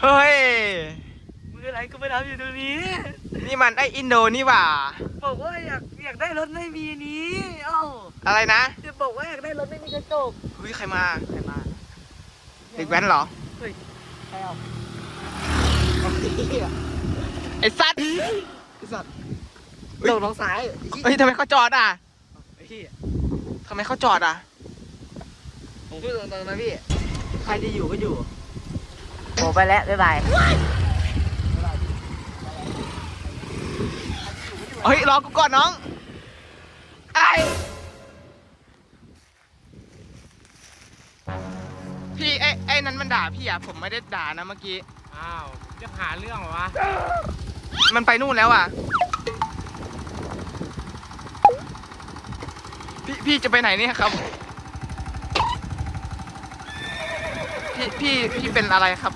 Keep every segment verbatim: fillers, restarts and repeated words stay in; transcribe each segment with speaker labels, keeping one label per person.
Speaker 1: เฮ้ย
Speaker 2: มืออะไรก็ไม่ทำอยู่ตรงนี้
Speaker 1: นี่มันไออินโดนี่หว่า
Speaker 2: บอกว่าอยากอยากได้รถไม่มีนี้เอ้า
Speaker 1: อะไรนะ
Speaker 2: จะบอกว่าอยากได้รถไม่มีกระจก
Speaker 1: เฮ้ยใครมา
Speaker 2: ใครมา
Speaker 1: เด็กแว้นเหรอ
Speaker 2: เฮ้ยใครเอา
Speaker 1: ไอสัตว์ไอสัตว์
Speaker 2: ตกน้องซ้าย
Speaker 1: เฮ้ยทำไมเขาจอดอ่ะ
Speaker 2: ไอ้พี่
Speaker 1: ทำไมเขาจอดอ่ะ
Speaker 2: ผมพูดตรงๆนะพี่ใครจะอยู่ก็อยู่โอ้ไปแล้วบ๊ายบาย
Speaker 1: เฮ้ยรอกูก่อนน้องไอพี่ไอไอ้นั้นมันด่าพี่อ่ะผมไม่ได้ด่านะเมื่อกี้
Speaker 3: อ้าวจะหาเรื่องเหรอวะ
Speaker 1: มันไปนู่นแล้วอ่ะพี่พี่จะไปไหนเนี่ยครับพี่พี่พี่เป็นอะไรครับ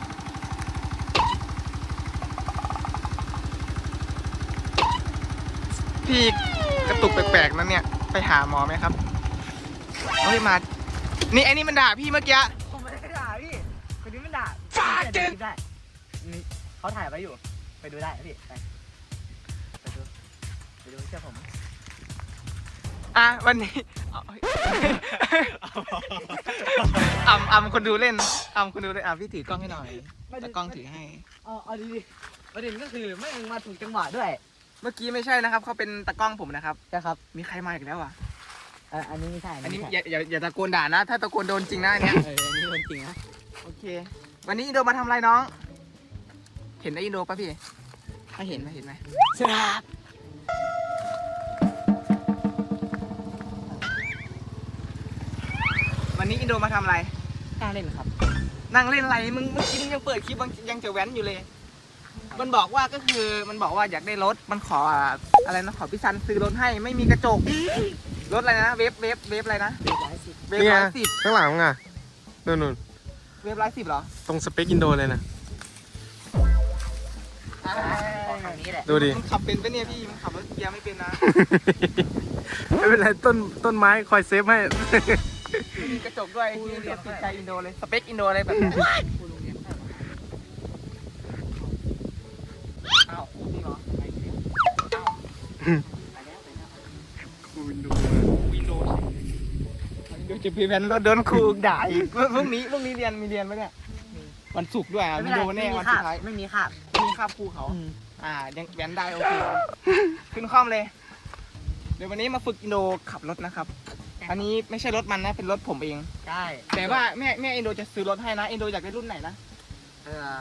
Speaker 1: พี่กระตุกแปลกๆนั่นเนี่ยไปหาหมอไหมครับเฮ้ยมานี่ไอ้นี่มันด่าพี่เมื่อกี้
Speaker 2: ผมไม่ได้ด่าพี่คนนี้มันด่า
Speaker 1: ฟาดเจน
Speaker 2: ได้นี่เขาถ่ายไว้อยู่ไปดูได้พี่ไปไปดูไปดูเชื่อผม
Speaker 1: อ่ะวันนี้อ่ำอ่ำคนดูเล่นอ่ำคนดูเล่นอ่ะพี่ถือกล้องให้หน่อยแต่กล้องถือให้
Speaker 2: อ๋อเอาดีๆประเด็นก็คือไม่มาถูกจังหวะด้วย
Speaker 1: เมื่อกี้ไม่ใช่นะครับเขาเป็นตะกล้องผมนะครับ
Speaker 2: ใช่ครับ
Speaker 1: มีใครมาอีกแล้วอ่ะ
Speaker 2: อันนี้ไม่ใช่
Speaker 1: อันนี้อย่าอย่าอย่าตะโกนด่านะถ้าตะโกนโดนจริงนะอันเนี้ย
Speaker 2: เอออันนี้โดนจริงนะ
Speaker 1: โอเควันนี้อินโดมาทำอะไรน้องเห็นไอ้อินโดป่ะพี่ไม่เห็นไม่เห็นไหม
Speaker 2: ครับ
Speaker 1: วันนี้อินโดมาทำอะไร
Speaker 2: นั่งเล่นครับ
Speaker 1: นั่งเล่นอะไรมึงเมื่อกี้มึงยังเปิดคลิปยังจะแว้นอยู่เลยมันบอกว่าก็คือมันบอกว่าอยากได้รถมันขออะไรนะขอพี่ซันซื้อรถให้ไม่มีกระจกรถอะไรนะเวฟเวฟเวฟอะไรนะเวฟร้อยสิบเวฟร้อยสิบ
Speaker 3: ข้างหลังอ่ะนู่นนู่น
Speaker 1: เวฟร้อยสิบเหรอ
Speaker 3: ตรงสเปคอินโดเลยนะดูดิ
Speaker 1: มันขับเป็นปะเนี่ยพี่มันขับรถเกียร์ไม่เป็นนะ
Speaker 3: ไม่เป็นไรต้นต้นไม้คอยเซฟให้
Speaker 1: มีกระจกด้วยที่เรียนติดใจอินโดเลยสเปคอินโดอะไรแบบนี้อ้าวนี่เหรอ
Speaker 3: วินโด
Speaker 1: วินโดเดี๋ยวจะพี่แพนรถโดนครูด่าอีกพรุ่งนี้พรุ่งนี้เรียนมีเรียนไหมเนี่ยวันศุกร์ด้วยอ่ะวินโดแน่วันสุดท้าย
Speaker 2: ไม่มีคาบ
Speaker 1: ไม่มีคาบครูเขาอ่ายังแว้นได้โอเคขึ้นคล่อมเลยเดี๋ยววันนี้มาฝึกอินโดขับรถนะครับอันนี้ไม่ใช่รถมันนะเป็นรถผมเอง
Speaker 2: ใช่
Speaker 1: แต่ว่าแม่แม่อินโดจะซื้อรถให้นะอินโดอยากได้รุ่นไหนนะ
Speaker 2: เออ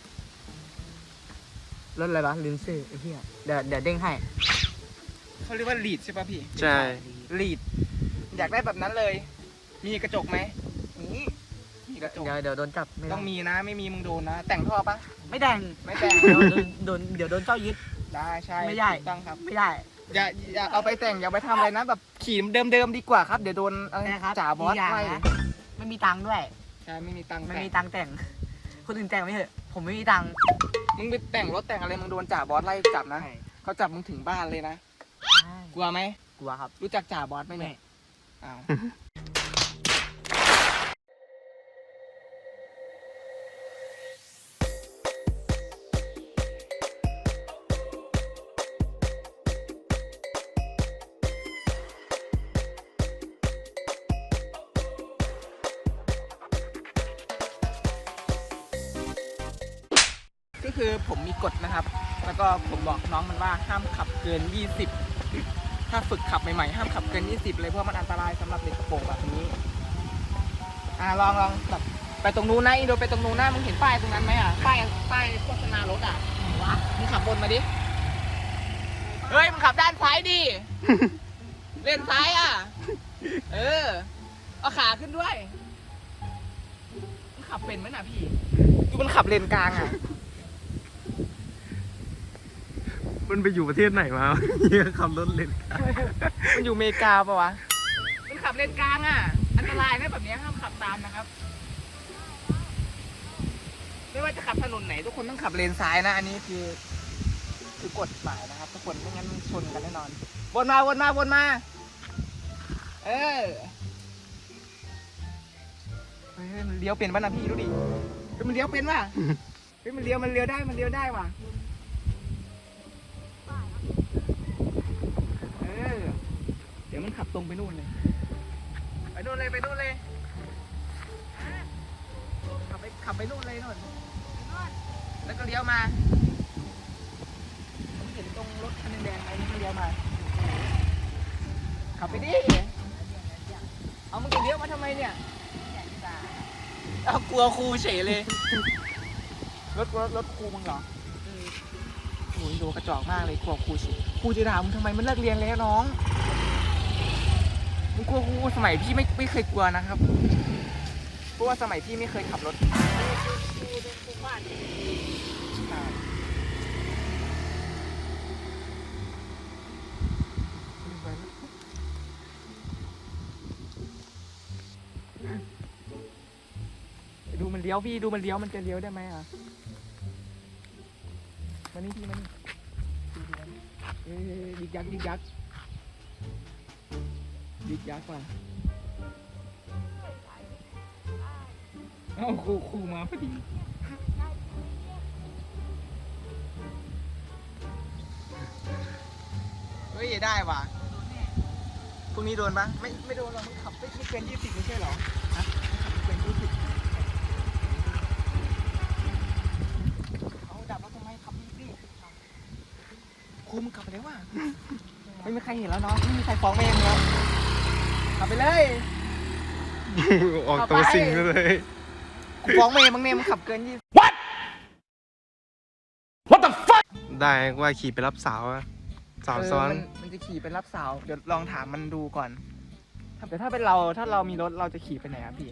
Speaker 2: รถอะไรวะลินซี่ไอ้เหี้ยเดี๋ยวเดี๋ยวเด้งให้
Speaker 1: เขาเรียกว่าลีดใช่ป่ะพี่
Speaker 3: ใช่
Speaker 1: ลีดอยากได้แบบนั้นเลยมีกระจกไหมมีมีกระจก
Speaker 2: เดี๋ยวเดี๋ยวโดนจับ
Speaker 1: ต้องมีนะไม่มีมึงโดนนะแต่งท่อปะ
Speaker 2: ไม่แต่ง
Speaker 1: ไม่แต่ง
Speaker 2: เดี๋ยวโดนเดี๋ยวโดนเจ้ายึด
Speaker 1: ได้ใช่
Speaker 2: ไม่ได้
Speaker 1: ต้องครับ
Speaker 2: ไม่ได้
Speaker 1: อย่าอย่าเอาไปแต่งอย่าไปทำอะไรนะแบบขี่เดิมๆดีกว่าครับเดี๋ยวโดนอะไรจ่าบอสไล่
Speaker 2: ไม่มีตังค์ด้วย
Speaker 1: ใช่ไม่มีตังค์
Speaker 2: ไม่มีตังค์แต่งคนอื่นแต่งไม่เหอะผมไม่มีตังค์
Speaker 1: มึงไปแต่งรถแต่งอะไรมึงโดนจ่าบอสไล่จับนะเขาจับมึงถึงบ้านเลยนะกลัวไหม
Speaker 2: กลัวครับ
Speaker 1: รู้จักจ่าบอสไหมเนี่ยอ้าวก็คือผมมีกฎนะครับแล้วก็ผมบอกน้องมันว่าห้ามขับเกินยี่สิบถ้าฝึกขับใหม่ๆห้ามขับเกินยี่สิบเลยเพราะมันอันตรายสำหรับเด็กกระโปรงแบบนี้อ่าลองลองแบบไปตรงนู้นนะอินโดไปตรงนู้นนะมึงเห็นป้ายตรงนั้นไหมอ่ะป้ายป้ายโฆษณารถอ่ะวะมึงขับบนมาดิเฮ้ยมึงขับด้านซ้ายดิเลนซ้ายอ่ะเออเอาขาขึ้นด้วยมึงขับเป็นไหมน่ะพี่ดูมันขับเลนกลางอ่ะ
Speaker 3: มันไปอยู่ประเทศไหนมาเฮียขับรถเลนกลาง
Speaker 1: มันอยู่อเมริกาปะวะมันขับเลนกลางอ่ะอันตรายนะแบบนี้ห้ามขับตามนะครับไม่ว่าจะขับถนนไหนทุกคนต้องขับเลนซ้ายนะอันนี้คือคือกฎหมายนะครับทุกคนไม่งั้นชนกันแน่นอนวนมาวนมาวนมาเออเฮ้ยมันเลี้ยวเป็นป่ะนะพี่ดูดิมันเลี้ยวเป็นป่ะเฮ้ยมันเลี้ยวมันเลี้ยวได้มันเลี้ยวได้ว่ะเออเดี๋ยวมันขับตรงไปนู่นเลยไปนู่นเลยไปนู่นเลยขับไปขับไปนู่นเลยนู่นแล้วก็เลี้ยวมาผมเห็นตรงรถคันแดงๆไอ้นี่ก็เลี้ยวมาขับไปดิเอามึงจะเลี้ยวมาทำไมเนี่ยเอากลัวครูเฉยเลย รถรถรถครูมึงเหรอโอ้ยดูกระจอกมากเลยกลัวครูเฉยครูจะด่ามึงทำไมมันเลิกเรียนแล้วน้องมึงกลัวครูสมัยพี่ไม่ไม่เคยกลัวนะครับเพราะว่าสมัยพี่ไม่เคยขับรถใช่ดูมันเลี้ยวพี่ดูมันเลี้ยวมันจะเลี้ยวได้ไหมอ่ะมานี่พี่มานี่ดูดูมันเอ้ยยิกยักยิกยักยิกยักว่ะเอ้าครูครูมาพอดีเฮ้ยได้ว่ะพรุ่งนี้โดนปะไม่ไม่โดนหรอกมึงขับไม่ไม่เกินยี่สิบไม่ใช่เหรอฮะขับไม่เกินยี่สิบเอาดับแล้วทำไมขับรีบๆครูมึงขับไปแล้วว่ะไม่มีใครเห็นแล้วเนาะไม่มีใครฟ้องแม่มึงแล้วขับไปเลย
Speaker 3: ออกตัวสิ่งเลย
Speaker 1: กูฟ้องแม่มึงเนี่ยมึงขับเกินยี่สิบ
Speaker 3: ได้ว่าขี่ไปรับสาวอะสาวซ้อน
Speaker 1: เมันมันจะขี่ไปรับสาวเดี๋ยวลองถามมันดูก่อนแต่ถ้าเป็นเราถ้าเรามีรถเราจะขี่ไปไหนอะพี่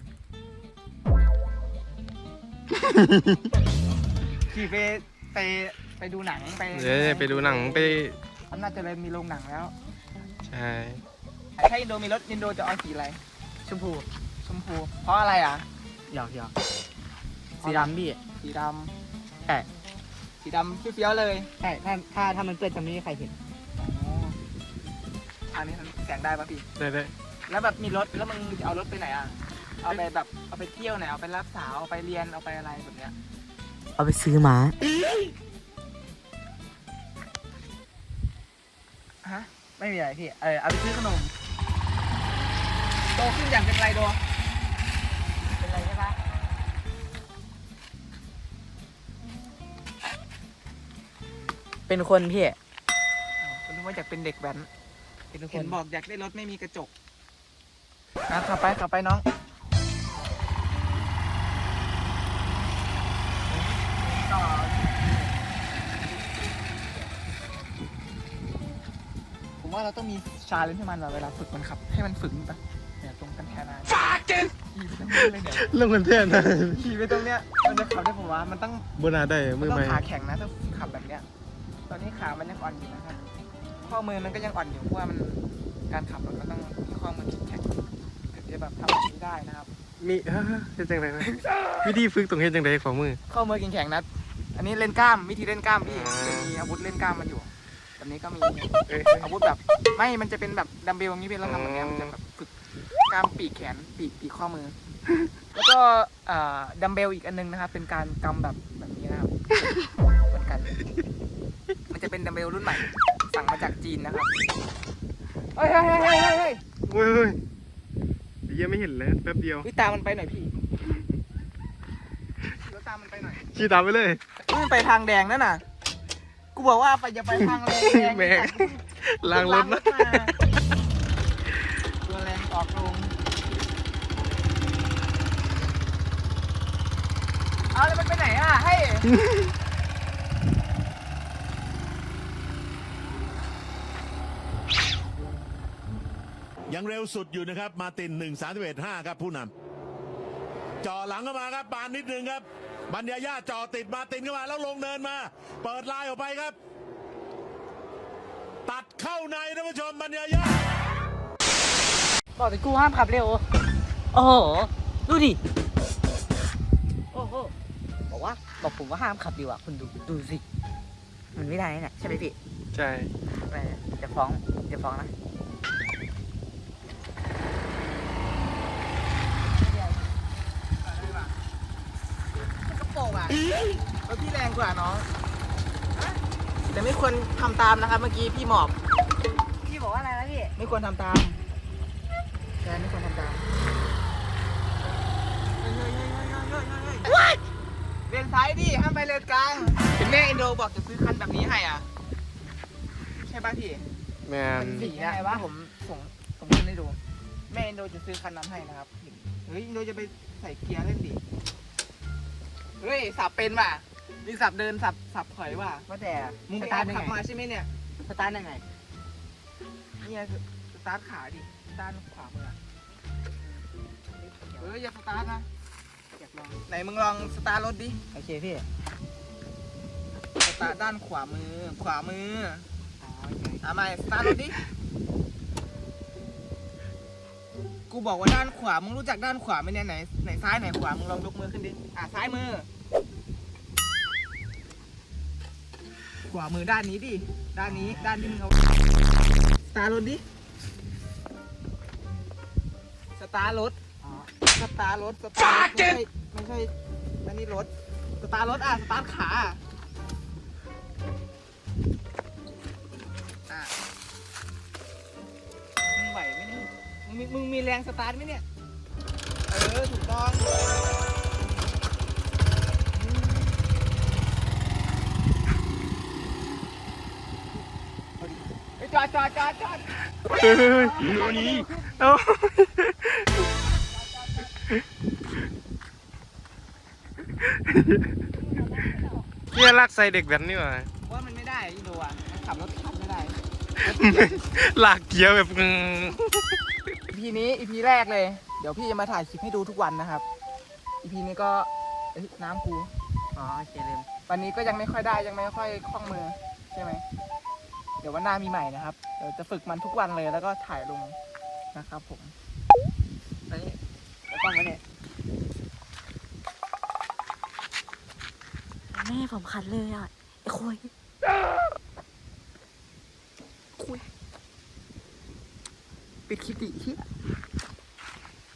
Speaker 1: ขี่ไปไปไปดูหนังไป
Speaker 3: เดี๋ยวไปดูหนังไป
Speaker 1: อำนาจเจริญมีโรงหนังแล้ว
Speaker 3: ใช่
Speaker 1: ถ้าอินโดมีรถอินโดจะเอาสีอะไร
Speaker 2: ชมพู
Speaker 1: ชมพู เพราะอะไรอ่ะ
Speaker 2: หยอกหยอกสีดำพี่
Speaker 1: สีด
Speaker 2: ใช่
Speaker 1: ำสีดำเฟี้ยวๆเลย
Speaker 2: ใช่ถ้าถ้าถ้ามันเปื้อนจะไม่มีใครเห็น
Speaker 1: อ๋ออันนี้แสงได้ปะพี่
Speaker 3: ได้ได้
Speaker 1: แล้วแบบมีรถแล้วมึงจะเอารถไปไหนอ่ะเอาไปแบบเอาไปเที่ยวไหนเอาไปรับสาวเอาไปเรียนเอาไปอะไรแบบเนี้ย
Speaker 2: เอาไปซื้อหมา
Speaker 1: ฮะไม่มีอะไรพี่เออเอาไปซื้อขนมโตขึ้นอย่างเป็นไรโดเป็นไรใช่ปะ
Speaker 2: เป็นคนพี่
Speaker 1: คุณรู้ว่าอยากเป็นเด็กแว้น
Speaker 2: เป็นค
Speaker 1: เห็
Speaker 2: น
Speaker 1: นบอกอยากได้รถไม่มีกระจกอ่ะขับไปขับไปน้องต่อผมว่าเราต้องมีชาเลนจ์ให้มันว่ะเวลาฝึกมันขับ ให้มันฝึกปะเนี่ยตรงกันแค่นั้นฟาเกนขี่ไปตรงนี้เลยเนี่ย
Speaker 3: เรื่องมันเท่นะ
Speaker 1: ขี่ไปตรงเนี้ยมันจะขับได้ผมว่ามันต้อง
Speaker 3: บนาได้
Speaker 1: มั
Speaker 3: มื
Speaker 1: น
Speaker 3: อ
Speaker 1: ต้อ
Speaker 3: ใหม่
Speaker 1: งขาแข็งนะถ้าขับแบบเนี้ย ตอนนี้ขามันยังอ่อนอยู่นะครับ ข้อมือมันก็ยังอ่อนอยู่เพราะว่ามันการขับรถมันต้องมีข้อมือแข็งถึงจะแบบทำแบบนี้ได้นะครับ
Speaker 3: มีเฮ้ยเฮ็ดจังไดนะวิธีฝึกตรงเฮ็ดจังไดของมือ
Speaker 1: ข้อมือแข็งๆนะ อันนี้เล่นกล้ามวิธีเล่นกล้ามพี่
Speaker 3: อ่า
Speaker 1: จะมีอาวุธเล่นกล้ามมันอยู่แบบนี้ก็มี
Speaker 3: เอ้ย
Speaker 1: อาวุธแบบไม่มันจะเป็นแบบดัมเบลอย่างนี้เป็นเราทำแบบเนี้ยมันจะแบบฝึกกล้ามปีกแขนปีกปีกข้อมือ แล้วก็อ่าดัมเบลอีกอันนึงนะครับ เป็นการกำแบบแบบนี้นะครับเหมือนกัน มันจะเป็นดัมเบลรุ่นใหม่ สั่งมาจากจีนนะครับเฮ้ยเฮ้ยเฮ้ยเฮ้ยเฮ้ย
Speaker 3: เฮ้ยเฮ้ยเหี้ยังไม่เห็นเลยแป๊บเดียว
Speaker 1: วิตามมันไปหน่อยพี่แล้วตามมันไปหน่อย
Speaker 3: ขี่ตามไปเลย
Speaker 1: มันไปทางแดงนั่นน่ะ กูบอกว่าไปอย่าไปทางแรงแรง
Speaker 3: แม่งล้างรถนะ
Speaker 1: มาตัวแรงออกลงเอาแล้วมันไปไหนอ่ะให้
Speaker 4: ยังเร็วสุดอยู่นะครับ มาตินหนึ่งสามสิบเอ็ดห้าครับผู้นำจ่อหลังเข้ามาครับปานนิดนึงครับบัญญาญาจ่อติดมาตินเข้ามาแล้วลงเนินมา เปิดลายออกไปครับ ตัดเข้าในท่านผู้ชมบัญญาญา
Speaker 2: บอกแต่กูห้ามขับเร็ว โอ้โห ดูดิ โอ้โห บอกว่าบอกผมว่าห้ามขับดีกว่าคุณดู ดูสิ มันไม่ได้เนี่ยใช่ไหมพี่
Speaker 3: ใช่
Speaker 2: แหมจะฟ้องจะฟ้องนะ
Speaker 1: กระโปรงอ่ะรถพี่แรงกว่าน้องแต่ไม่ควรทำตามนะครับ เมื่อกี้พี่หมอบ
Speaker 2: พี่บอกว่าอะไรนะพี่
Speaker 1: ไม่ควรทำตามแกไม่ควรทำตามเฮ้ยเฮ้ยเฮ้ยเฮ้ยเฮ้ยเฮ้ยเฮ้ยเลนซ้ายดิห้ามไปเลนกลางเห็นแม่อินโดบอกจะซื้อคันแบบนี้ให้อ่ะใช่ป่ะพี่
Speaker 3: แมน
Speaker 1: สีนะว่าผมส่งผมขึ้นให้ดู แม่อินโดจะซื้อคันนั้นให้นะครับเฮ้ยอินโดจะไปใส่เกียร์เล่นดิเฮ้ยสับเป็นว่ะมีสับเดินสับสับถอยว่ะ
Speaker 2: ว่าแต่
Speaker 1: มึง
Speaker 2: ส
Speaker 1: ไป
Speaker 2: ตา
Speaker 1: ตา
Speaker 2: ร์
Speaker 1: ม
Speaker 2: ทยัง
Speaker 1: ขับ
Speaker 2: ไง
Speaker 1: มาใช่ไหมเนี่ย
Speaker 2: สตาร์ทยังไง
Speaker 1: เนี่ยคือสตาร์ทขาดิด้านขวามืออะเฮ้ยอย่าสตาร์ทนะ
Speaker 2: อยากลอง
Speaker 1: ไหนมึงลองสตาร์ทรถดิ
Speaker 2: โอเคพี่
Speaker 1: สตาร์ทด้านขวามือ ขวามือ
Speaker 2: อ๋อโอเค
Speaker 1: เอาใหม่สตาร์ทรถดิ กูบอกว่าด้านขวา มึงรู้จักด้านขวาไหมเนี่ยไหนไหนซ้ายไหนขวา มึงลองยกมือขึ้นดิ อ่ะซ้ายมือ ขวามือด้านนี้ดิ ด้านนี้ ด้านที่มึงเอาสตาร์ทรถดิ สตาร์ทรถ
Speaker 2: อ๋อ
Speaker 1: สตาร์ทรถ สตาร์ทรถไม่ใช่ไม่ใช่อันนี้รถ สตาร์ทรถอ่ะ สตาร์ทขา อ่ะ มึงไหวไหมเนี่ยมึงมีมึงมีแรงสตาร์ทไหมเนี่ย เออ ถูกต้องอืมเอาดิเฮ้ยจอดจอดจอดจอด
Speaker 3: เฮ้ยเอ้าเนี่ยลากใส่เด็กแบบนี้วะ
Speaker 1: ว่ามันไม่ได้อินโดอ่ะมันขับรถขับไม่ได้
Speaker 3: ลากเกียร์แบบอืม
Speaker 1: อีพีนี้อีพีแรกเลย เดี๋ยวพี่จะมาถ่ายคลิปให้ดูทุกวันนะครับ อีพีนี้ก็เอ้ยน้ำกู
Speaker 2: อ๋อโอเคเลย
Speaker 1: วันนี้ก็ยังไม่ค่อยได้ยังไม่ค่อยคล่องมือใช่ไหม เดี๋ยววันหน้ามีใหม่นะครับ เดี๋ยวจะฝึกมันทุกวันเลยแล้วก็ถ่ายลงนะครับผม
Speaker 2: อันนี้แล้วกล้องไว้เนี่ยแม่ผมคันเลยอ่ะไอ้คุย
Speaker 1: คุยปิดคลิปดิเฮีย